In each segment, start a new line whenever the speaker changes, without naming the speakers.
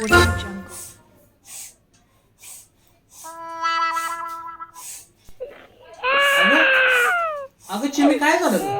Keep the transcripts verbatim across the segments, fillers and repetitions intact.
Audio Jungle.
अगं चिमी काय झालं ग?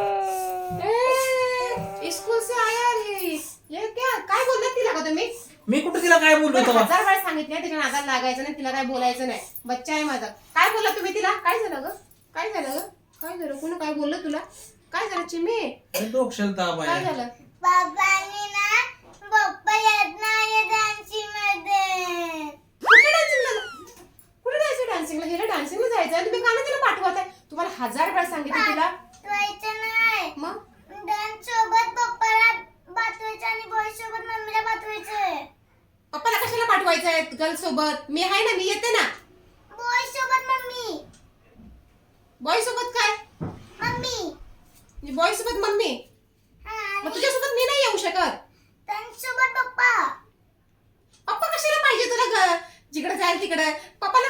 ए, स्कूल से आया ये ये क्या काय बोललात तिला का तुम्ही?
मी कुठं तिला काय बोललो
बरं,
तेव्हा?
हजार वेळा सांगितलं तिच्या नादाला लागायचं नाही, तिला काय बोलायचं नाही. बच्चा आहे माझा. काय बोलला तुम्ही तिला? काय झालं ग? काय झालं ग? काय झालं? कोणी काय बोललं तुला? काय झालं चिमी?
अरे डोक्याला ताप
काय
आहे.
झालं?
बाबांनी ना पप्पा येत नाही डान्सिंग मध्ये.
कुठे डान्सिंगला? कुठे जायचं डान्सिंगला? गेलं डान्सिंगला जायचं. तुम्ही का ना तिला पाठवत आहे? तुम्हाला हजार वेळा सांगितलं तिला.
पाठवायचं नाही.
मग
डान्स सोबत पप्पाला पाठवायचं आणि बॉय सोबत मम्मीला पाठवायचं.
पप्पाला कशाला पाठवायचंय गर्ल सोबत? मी आहे ना, मी येते ना.
बॉय सोबत मम्मी.
बॉय सोबत काय?
मम्मी.
बॉय सोबत मम्मी.
हा,
मग
आणि
तुझ्यासोबत मी नाही येऊ शकत.
डान्स सोबत पप्पा.
पप्पा कशाला पाहिजे तुला ग? जिकडे जाईल तिकडे पप्पाला.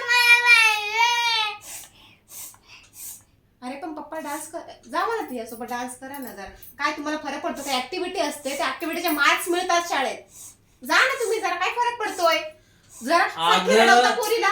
अरे पण पप्पा डान्स कर, जा मला तिच्यासोबत डान्स करा ना जरा. काय तुम्हाला फरक पडतो? काय ऍक्टिव्हिटी असते, त्या ऍक्टिव्हिटीचे मार्क्स मिळतात शाळेत. जा ना तुम्ही, जरा काय फरक पडतोय? जरा सारखी
अगं.
रडवता पोरीला.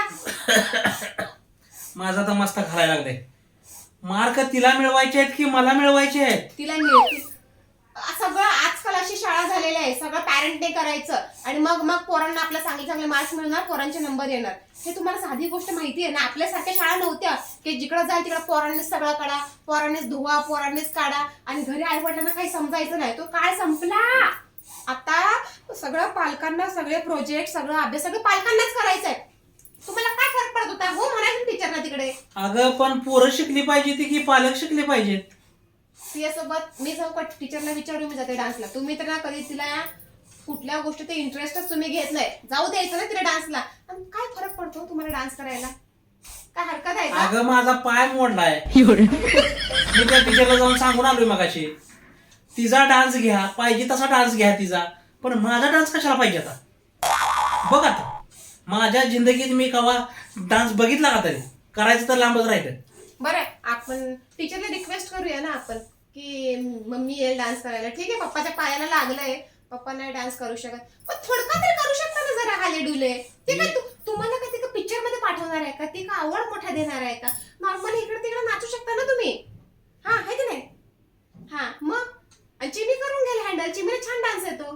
माझा तर मस्त घालायला लागले. मार्क तिला मिळवायचे आहेत की मला मिळवायचे आहेत?
तिला मिळतील सगळं. आजकाल अशी शाळा झालेली आहे, सगळं पॅरेंटने करायचं आणि मग मग पोरांना आपल्या चांगले चांगले मार्क्स मिळणार, पोरांचे नंबर येणार. हे तुम्हाला साधी गोष्ट माहिती आहे ना? आपल्यासारख्या शाळा नव्हत्या की जिकडे जाईल तिकडे पोरांनीच सगळं काढा, पोरांनीच धुवा, पोरांनीच काढा आणि घरी आई वडिलांना काही समजायचं नाही. तो काळ संपला. आता सगळं पालकांना, सगळे प्रोजेक्ट, सगळं अभ्यास सगळं पालकांनाच करायचंय. तुम्हाला काय फरक पडत होता? हो म्हणायचं टीचरना तिकडे.
अगं पण पोरं शिकली पाहिजे ती की पालक शिकले पाहिजेत?
तिच्यासोबत मी जाऊ का टीचरला विचारू? मी जाते डान्सला. तुम्ही तर ना कधी तिला कुठल्या गोष्टीत इंटरेस्टच तुम्ही घेत नाही. जाऊ द्यायचं ना तिला डान्सला. आणि काय फरक पडतो तुम्हाला डान्स करायला? काय हरकत आहे का?
अगं माझा पाय मोडलाय. मी त्या टीचरला जाऊन सांगून आलोय मगाशी. तिचा डान्स घ्या, पाहिजे तसा डान्स घ्या तिचा, पण माझा डान्स कशाला पाहिजे आता? बघ आता माझ्या जिंदगीत मी कवा डान्स बघितला का तरी? करायचं तर लांबच राहिलं.
बरं, आपण टीचरला रिक्वेस्ट करूया ना आपण की मम्मी येईल डान्स करायला. ठीक आहे, पप्पाच्या पायाला लागलंय, पप्पा नाही डान्स करू शकत, पण थोडका तरी करू शकता ना जरा हाले डुले. ते काय तू- तुम्हाला काय तिथं पिक्चर मध्ये पाठवणार आहे का? ती का आवड मोठा देणार आहे का? नॉर्मली इकडे तिकडे नाचू शकता ना तुम्ही. हा आहे की नाही? हा मग आणि चिमी करून घ्याल हँडल. चिमीला छान डान्स येतो.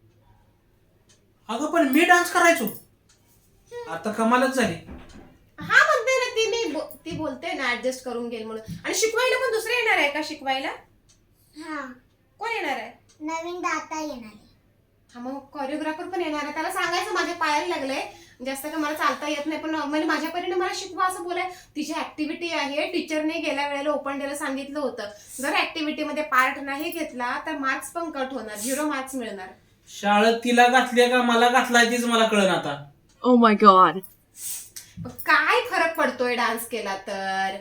अगं पण मी डान्स करायचो. आता कमालच झाली.
हा म्हणते ना ती, मी बो- ती बोलते ना ऍडजस्ट करून घेईल म्हणून. आणि शिकवायला पण दुसरे येणार आहे का शिकवायला?
हा,
कोण येणार आहे?
नवीन दाता येणार आहे.
हा मग कोरिओग्राफर पण येणार आहे. त्याला सांगायचं माझ्या पायाला लागलंय, जास्त का मला चालता येत नाही, पण म्हणजे माझ्या परीने मला शिकवा असं बोलाय. तिची ऍक्टिव्हिटी आहे. टीचरने गेल्या वेळेला ओपन डेला सांगितलं होतं, जर ऍक्टिव्हिटी मध्ये पार्ट नाही घेतला तर मार्क्स पण कट होणार, झिरो मार्क्स मिळणार.
शाळेत तिला घातले का मला घातलाय तीच मला कळण आता.
Oh my god.
पण काय फरक पडतोय डान्स केला तर?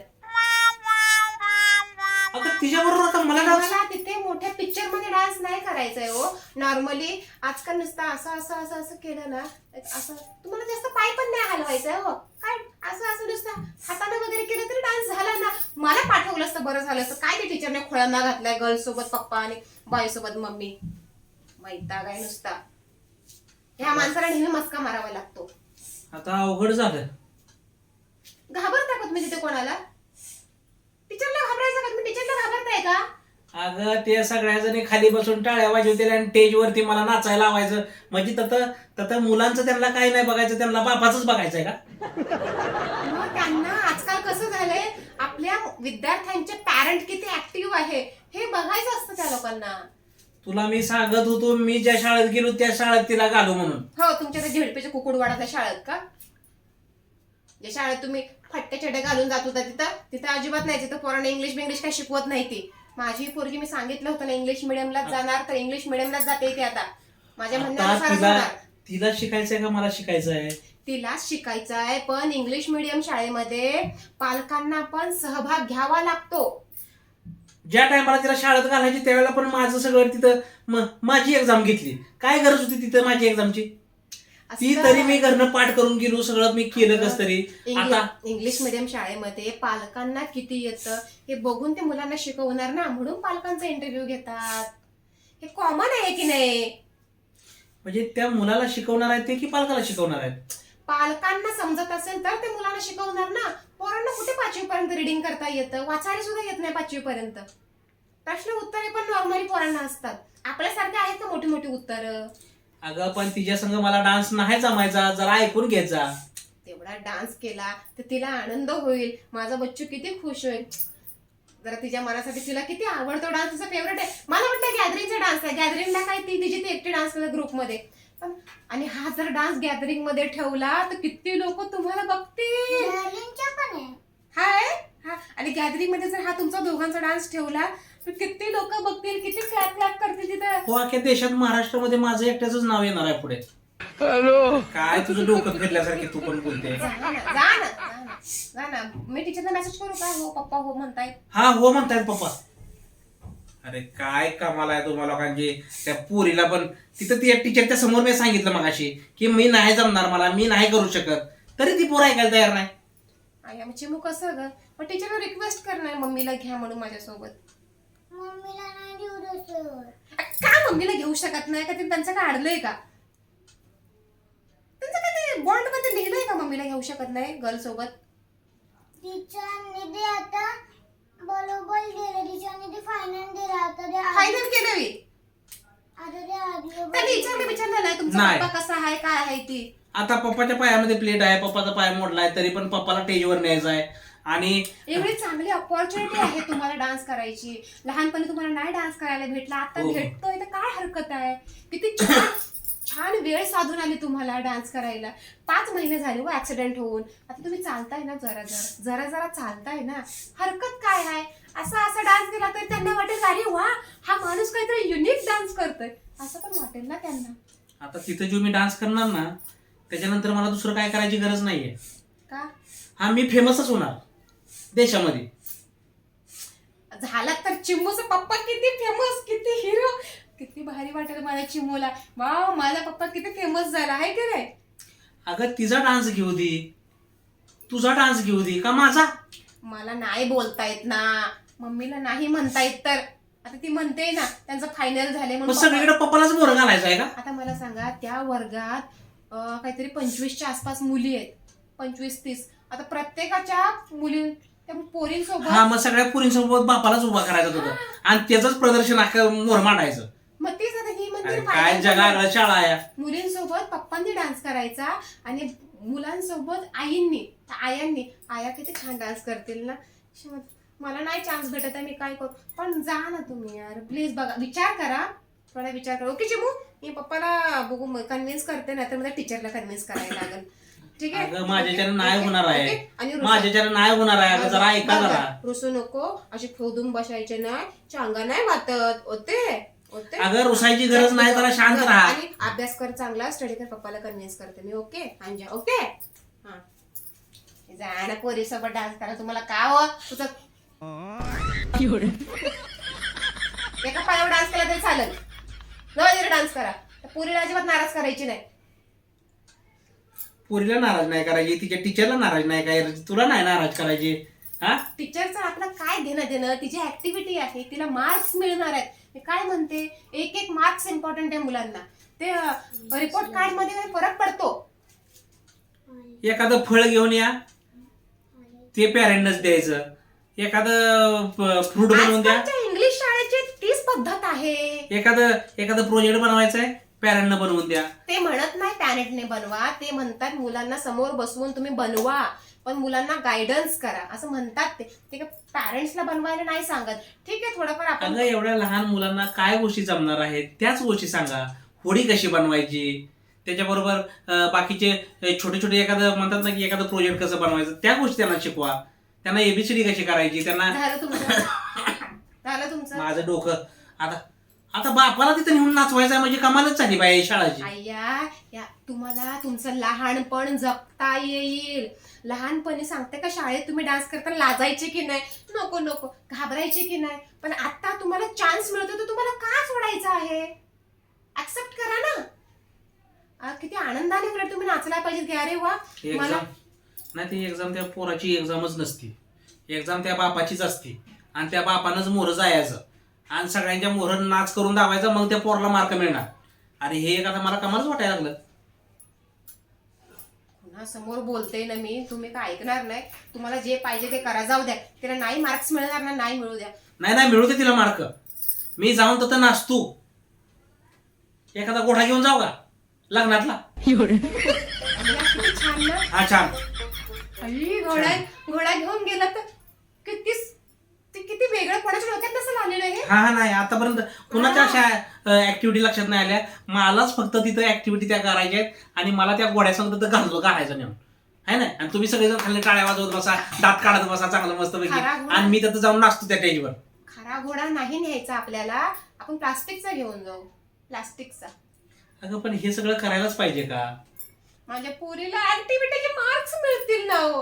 अगं तिच्या बरोबर आता मला डान्स.
मला तिथे मोठ्या पिक्चर मध्ये डान्स नाही करायचंय हो. नॉर्मली आजकाल नुसतं असं असं असं असं केलं ना, असं तुम्हाला जास्त पाय पण नाही हलवायचंय हो. काय असं असं नुसतं हाताने वगैरे केलं तरी डान्स झाला ना. मला पाठवलं असतं बरं झालं असतं. काय ते टीचरने खोळ्यांना घातलाय गर्ल सोबत पप्पा आणि बॉय सोबत मम्मी. वैताग आहे नुसता. ह्या माणसाला नेहमी मस्का मारावा लागतो.
आता अवघड झालं.
घाबरता का तुम्ही तिथे कोणाला? टीचरला घाबरायचं का? तुम्ही टीचरला घाबरताय का?
अगं ते सगळ्या जणी खाली बसून टाळ्या वाजवतील आणि स्टेज वरती मला नाचायला लावायचं. म्हणजे तत तत मुलांचं त्यांना काही नाही बघायचं, त्यांना बापाचंच बघायचंय का?
मग त्यांना आजकाल कसं झालंय, आपल्या विद्यार्थ्यांचे पॅरेंट किती ऍक्टिव्ह आहे हे बघायचं असतं त्या लोकांना.
तुला मी सांगत होतो मी ज्या शाळेत गेलो त्या शाळेत तिला घालू म्हणून.
हो, तुमच्या त्या झेडपीच्या कुकुडवाडाच्या शाळेत का? ज्या शाळेत तुम्ही फट्टे चड्डे घालून जात होता तिथं तिथं अजिबात नाही. तिथं पोरांना इंग्लिश बिंग्लिश काही शिकवत नाही. ती माझी पोरगी, मी सांगितलं होतं ना इंग्लिश मिडियमलाच जाणार, तर इंग्लिश मिडियमलाच जाते ती आता. माझ्या
आता
म्हणण्यानुसारच
तिला
होणार.
तिला शिकायचंय का मला शिकायचंय?
तिलाच शिकायचं आहे, पण इंग्लिश मिडियम शाळेमध्ये पालकांना पण सहभाग घ्यावा लागतो.
ज्या टायमाला तिला शाळेत घालायची त्यावेळेला पण माझं सगळं तिथं म- माझी एक्झाम घेतली. काय गरज होती तिथं माझी एक्झामची? ती
असं
तरी मी घरनं पाठ करून गेलो, सगळं मी केलं कस तरी. आता
इंग्लिश मिडियम शाळेमध्ये पालकांना किती येतं हे बघून ते मुलांना शिकवणार ना, म्हणून पालकांचा इंटरव्ह्यू घेतात. हे कॉमन आहे की नाही?
म्हणजे त्या मुलाला शिकवणार आहेत ते की पालकाला शिकवणार आहेत?
पालकांना समजत असेल तर ते मुलांना शिकवणार ना. पोरांना कुठे पाचवी पर्यंत रिडिंग करता येतं, वाचायला सुद्धा येत नाही पाचवी पर्यंत. प्रश्न उत्तरे पण नॉर्मली पोरांना असतात. आपल्यासारखे आहेत का मोठी मोठी उत्तरं?
अगं पण तिच्या संग मला डान्स नाही जमायचा, जरा ऐकून घेत जा.
तेवढा डान्स केला तर तिला आनंद होईल, माझा बच्चू किती खुश होईल. जरा तिच्या मनासाठी तिला किती आवडतो डान्स, तिचा फेवरेट आहे. मला वाटतं गॅदरिंगचा डान्स आहे. गॅदरिंगला काय ती तिची ती एकटी डान्स करते ग्रुपमध्ये. पण आणि हा जर डान्स गॅदरिंग मध्ये ठेवला तर किती लोक तुम्हाला बघतील.
डार्लिंगच्या पण आहे.
हाय हा आणि गॅदरिंग मध्ये जर हा तुमचा दोघांचा डान्स ठेवला तर किती लोक बघतील, किती क्लॅप क्लॅप करतील तिथं.
हो, अख्ख्या देशात महाराष्ट्रामध्ये माझं एकट्याच नाव येणार आहे पुढे. काय तुझं डोकं फिरल्यासारखे तू पण बोलते.
जा ना जा ना जा ना जा ना. मी टीचरला मेसेज करू का? हो पप्पा हो म्हणतायत.
हा हो म्हणतायत पप्पा. अरे काय कमाल आहे तुम्हाला लोकांची. त्या पोरीला पण तिथं ती टीचरच्या समोर मी सांगितलं मगाशी की मी नाही जमणार, मला मी नाही करू शकत, तरी ती पोरं ऐकायला तयार नाही.
आई आमची चिमू कसं ग? मग टीचरला रिक्वेस्ट करणार मम्मीला घ्या म्हणून माझ्यासोबत.
मम्मीला नाही देऊ दुसरं.
का मम्मीला घेऊ शकत नाही का? ते त्यांचं काय अडलंय का? त्यांचं काय ते बॉन्ड मध्ये लिहिलंय का मम्मीला घेऊ शकत नाही गर्ल सोबत?
टीचरने ते आता बरोबर दिलं. टीचरने ते फायनल दिलं. आता ते
फायनल केलं मी.
आता ते आधी
त्या टीचरने विचारलं नाही तुमचा
नाही.
पप्पा कसा आहे, काय आहे ती.
आता पप्पाच्या पायामध्ये प्लेट आहे, पप्पाचा पाय मोडलाय, तरी पण पप्पाला स्टेजवर न्यायचं आहे. आणि
एवढी चांगली अपॉर्च्युनिटी आहे तुम्हाला डान्स करायची. लहानपणी तुम्हाला नाही डान्स करायला भेटला, आता
हो.
भेटतोय तर काय हरकत आहे? किती छान छान वेळ साधून आली तुम्हाला डान्स करायला. पाच महिने झाले व ऍक्सिडेंट होऊन. आता तुम्ही चालताय ना, जरा जरा जरा जरा चालताय ना, हरकत काय आहे? असा असा डान्स केला तर त्यांना वाटेल अरे वा हा माणूस काहीतरी युनिक डान्स करतोय, असं पण वाटेल ना त्यांना.
आता तिथं जो मी डान्स करणार ना, त्याच्यानंतर मला दुसरं काय करायची गरज नाहीये.
का
हा मी फेमसच होणार देशामध्ये.
झाला तर चिमूचा पप्पा किती फेमस, किती हिरो, किती भारी वाटेल माझ्या चिमूला. वाव माझा पप्पा किती फेमस झाला आहे की नाही.
अगं तिचा डान्स घेऊ दे, तुझा डान्स घेऊ दे का माझा?
मला नाही बोलता येत ना, मम्मीला नाही म्हणता येत तर आता ती म्हणते ना त्यांचं फायनल झाले
मग
म्हणून.
सगळीकडे पप्पालाच बोर घालायचं आहे का?
आता मला सांगा त्या वर्गात अं, काहीतरी पंचवीसच्या आसपास मुली आहेत, पंचवीस तीस. आता प्रत्येकाच्या मुली त्या पोरींसोबत.
हा मग सगळ्या पुरींसोबत बापालाच उभा करायचं होतं आणि त्याच प्रदर्शन अख्खं मोर मांडायचं.
मग तीच आता ही म्हणते
अरे
final
काय जगा शाळा आहे.
मुलींसोबत पप्पांनी डान्स करायचा आणि मुलांसोबत आईंनी आयांनी. आया किती छान डान्स करतील ना. श- मला नाही चान्स भेटत आहे, मी काय करू? पण जा ना तुम्ही यार प्लीज, बघा विचार करा, थोडा विचार करा. ओके चिमू, मी पप्पाला बघू कन्व्हिन्स करते, नाही तर मला टीचरला कन्व्हिन्स करायला लागेल. ठीक आहे?
अगं माझ्याच्यानं नाही
ओके?
होणार आहे.
ओके? आणि रुसा-
माझ्याच्यानं नाही होणार आहे. अगं जरा ऐका
बघा,
जरा.
रुसू नको, अशी खोदून बसायचे नाही, चांगा नाही वाटत होते होते.
अगं रुसायची गरज नाही, जरा शांत राहा.
आणि अभ्यास कर चांगला, स्टडी कर. पप्पाला कन्व्हिन्स करते मी. ओके अंजा? ओके हा जा ना पोरी सोबत डान्स करा. तुम्हाला का हो तुझं एका पायावर डान्स केला तरी चालेल, जवळ डान्स करा. त्या पोरीला अजिबात नाराज करायची नाही.
पोरीला नाराज नाही करायची, तिच्या टीचरला नाराज नाही करायची, तुला नाही नाराज करायची. हा
टीचरचं आपलं काय घेणं देणं, तिची ऍक्टिव्हिटी आहे, तिला मार्क्स मिळणार आहेत. मी काय म्हणते, एक एक मार्क्स इम्पॉर्टंट आहे मुलांना. ते रिपोर्ट कार्ड मध्ये फरक पडतो.
एखादं फळ घेऊन या, ते पॅरेंटच द्यायचं. एखादं फ्रूट बनवून द्या.
आजकालच्या इंग्लिश शाळेची तीच पद्धत आहे.
एखादं एखादं प्रोजेक्ट बनवायचं आहे, पॅरेंटनं बनवून द्या.
ते म्हणत नाही पॅरेंटने बनवा, ते म्हणतात मुलांना समोर बसवून तुम्ही बनवा, पण मुलांना गायडन्स करा असं म्हणतात. ते ते पॅरेंट्सला बनवायला नाही सांगत. ठीक आहे थोडंफार आपण.
अगं एवढ्या लहान मुलांना काय गोष्टी जमणार आहेत त्याच गोष्टी सांगा. होडी कशी बनवायची, त्याच्याबरोबर अं, बाकीचे अं, छोटे छोटे एखादं म्हणतात ना की एखादं प्रोजेक्ट कसं बनवायचं, त्या गोष्टी त्यांना शिकवा. त्यांना एबीसीडी कशी करायची त्यांना.
झालं तुमचं झालं तुमचं
माझं डोकं आता आता बापाला तिथे नेऊन नाचवायचं आहे म्हणजे कमालच झाली बाई शाळाची.
आय्या या तुम्हाला तुमचं लहानपण जगता येईल. लहानपणी सांगते का शाळेत तुम्ही डान्स करताना लाजायचे की नाही, नको नको घाबरायचे की नाही, पण आता तुम्हाला चान्स मिळतो तर तुम्हाला का सोडायचं आहे? ऍक्सेप्ट करा ना. आ, किती आनंदाने उलट तुम्ही नाचला पाहिजे की अरे वा मला.
एक्झाम नाही, ती एक्झाम त्या पोराची एक्झामच नसती. एक्झाम त्या बापाचीच असते आणि त्या बापानंच मोहर जायचं आणि सगळ्यांच्या मोहर नाच करून दावायचा, मग त्या पोराला मार्क मिळणार. अरे हे एक आता मला कमालच वाटायला लागलं.
पुन्हा समोर बोलते ना मी, तुम्ही काय ऐकणार नाही. तुम्हाला जे पाहिजे ते करा, जाऊ द्या. तिला नाही मार्क्स मिळणार ना, नाही मिळू द्या.
नाही नाही मिळू दे तिला मार्क. मी जाऊन तर नाचतो. एखादा गोठा घेऊन जाऊ का लग्नातला?
आणि किती छान ना.
हा छान.
अरे घोडा घोडा घेऊन गेला तर किती ते किती वेगळं कोणाच्या डोक्यात नसेल आलेलं हे.
हा हा नाही आतापर्यंत कुणाच्या अशा ऍक्टिव्हिटी लक्षात नाही आल्या. मलाच फक्त तिथं ऍक्टिव्हिटी त्या करायच्या आहेत आणि मला त्या गोड्यासंग तर घालतो घालायचं नेऊन आहे ना. आणि तुम्ही सगळेजण खाली टाळ्या वाजवत बसा, दात काढत बसा चांगलं मस्त पैकी,
खरा घोडा.
आणि मी तिथं जाऊन नाचतो त्या स्टेजवर.
खरा घोडा नाही न्यायचा आपल्याला, आपण प्लास्टिकचा घेऊन जाऊ. प्लास्टिकचा.
अगं पण हे सगळं करायलाच पाहिजे का?
माझ्या पोरीला ऍक्टिव्हिटीचे मार्क्स मिळतील ना हो.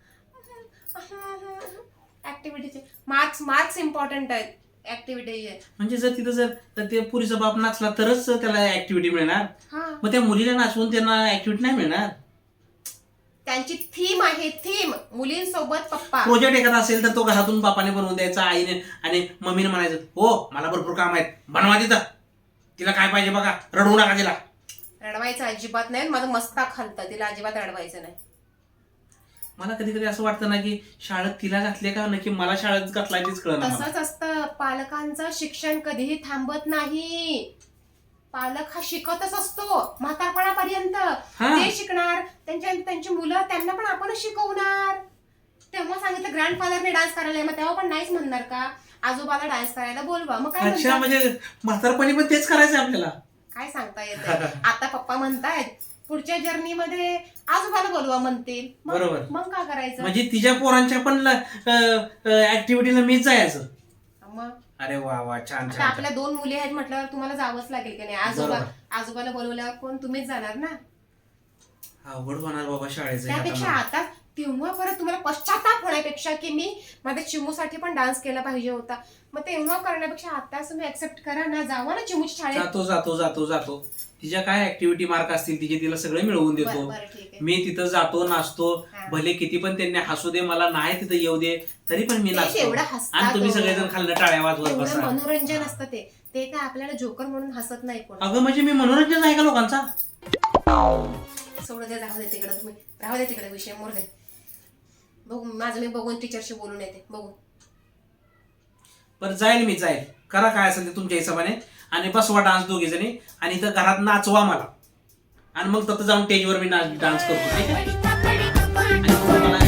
ऍक्टिव्हिटीचे मार्क्स मार्क्स इम्पॉर्टंट आहेत ऍक्टिव्हिटीचे.
म्हणजे जर तिथं जर तर ते पुरीचा बाप नाचला तरच त्याला ऍक्टिव्हिटी मिळणार.
हा,
मग त्या मुलीला नाचवून त्यांना ऍक्टिव्हिटी नाही मिळणार.
त्यांची थीम आहे, थीम मुलींसोबत पप्पा.
प्रोजेक्ट एखादा असेल तर तो घरातून बापाने बनवून द्यायचा, आईने आणि मम्मीने म्हणायचं हो मला भरपूर काम आहेत बनवा तिथं, तिला काय पाहिजे बघा, रडवू नका तिला.
रडवायचं अजिबात नाही. माझं मस्ताक खालतं, तिला अजिबात रडवायचं नाही.
मला कधी कधी असं वाटतं ना की शाळेत तिला घातले का नक्की मला शाळेत घातलाय तेच कळलं मला.
तसंच असतं. पालकांचं शिक्षण कधीही थांबत नाही. पालक हा शिकतच असतो म्हातारपणापर्यंत.
हा.
ते शिकणार, त्यांच्या त्यांची मुलं त्यांना पण आपणच शिकवणार. तेव्हा सांगितलं ग्रँडफादरने डान्स करायला, मग तेव्हा पण नाहीच म्हणणार का आजोबाला डान्स करायला बोलवा. मग काय
अच्छा
म्हणतात?
म्हणजे म्हातारपणी पण तेच करायचं आपल्याला.
काय सांगता येतं. आता पप्पा म्हणतायत पुढच्या जर्नीमध्ये आजोबाला बोलवा म्हणतील. मग-
बरोबर.
मग काय करायचं.
म्हणजे तिच्या पोरांच्या पण ऍक्टिव्हिटीला मीच जायचं.
मग
अरे वा वा छान
आता
छान.
आपल्या दोन मुली आहेत म्हटल्यावर तुम्हाला जावंच लागेल की नाही. आजोबा
बरोबर.
आजोबाला बोलवल्यावर कोण, तुम्हीच जाणार ना.
अवघड होणार बाबा शाळेचं हे
त्यापेक्षा
आता मला.
आता तेव्हा परत तुम्हाला पश्चाताप होण्यापेक्षा की मी माझ्या चिमूसाठी पण डान्स केला पाहिजे होता, मग तेव्हा करण्यापेक्षा आता तुम्ही ऍक्सेप्ट करा ना, जावा ना चिमूच्या शाळेत.
जातो जातो जातो जातो तिच्या काय ऍक्टिव्हिटी मार्क असतील तिचे तिला सगळे मिळवून
बरं
देतो.
बरं ठीक आहे.
मी तिथं जातो नाचतो.
हा.
भले किती पण त्यांनी हसू दे, मला नाही तिथं येऊ दे, तरी पण मी
ते
नाचतो.
तेवढं हसतात
आणि तुम्ही
हो.
सगळेजण खाल्लं टाळ्या वाजवत
तेवढं
बसा.
मनोरंजन असतं ते ते काय आपल्याला जोकर म्हणून हसत नाही कोण.
अगं म्हणजे मी मनोरंजन आहे का लोकांचा?
सोडू दे, राहू दे तिकडे, तुम्ही राहू दे तिकडे, विषय मोर दे. बघू माझं मी बघून टीचरशी बोलून येते. बघू
बरं जाईल मी जाईल. करा काय असेल ते तुमच्या हिशोबाने आणि बसवा डान्स दोघे जणी आणि इथं घरात नाचवा मला आणि मग तिथं जाऊन स्टेजवर मी डान्स करतो ठीक आहे. आणि तुम्हाला